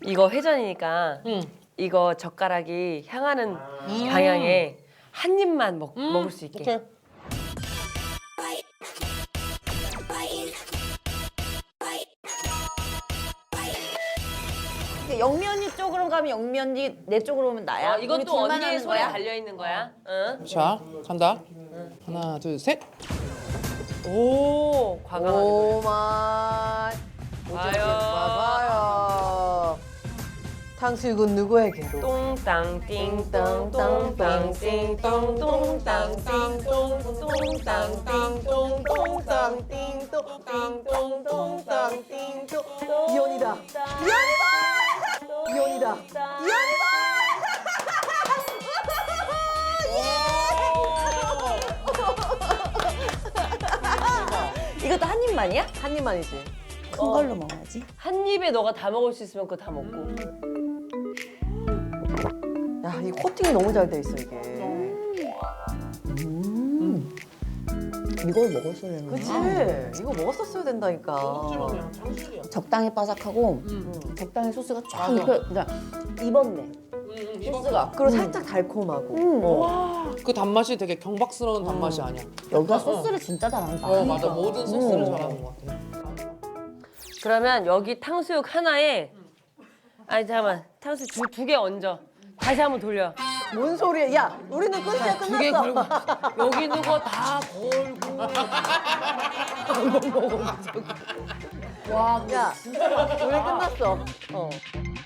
이거 회전이니까 이거 젓가락이 향하는 방향에 한 입만 먹을 수 있게. 오케이. 영면이 쪽으로 가면 영면이 내 쪽으로 오면 나야. 우리 이것도 둘만 언니의 하는 손에 거야? 달려 있는 거야. 응? 자, 간다. 하나, 둘, 셋. 오, 과감하게. 오마이. 봐요. 봐봐요. 탕수육은 누구에게로? 똥땅 띵똥 똥땅 띵똥 똥땅 띵똥 똥땅 띵똥 똥땅 띵똥 띵똥 똥땅 띵똥. 이혼이다. 이혼이다. 이것도 한 입만이야? 한 입만이지. 큰 걸로 먹어야지. 한 입에 너가 다 먹을 수 있으면 그거 다 먹고. 야, 이 코팅이 너무 잘 돼 있어, 이게. 이걸 먹었어야 되는 그치? 이거 먹었었어야 된다니까. 적당히 바삭하고 적당히 소스가 쫙 입혀, 그러니까 입었네. 소스가. 그리고 살짝 달콤하고. 그 단맛이 되게 경박스러운 단맛이 아니야. 여기가 소스를 진짜 잘한다. 맞아. 모든 소스를 잘하는 것 같아. 그러면 여기 탕수육 하나에 아니 잠깐만 탕수육 두 개 얹어. 다시 한번 돌려. 뭔 소리야? 야, 우리는 끝이야, 두 개 걸고 끝났어. 여기 있는 거 다 걸고. 야, 우리 끝났어.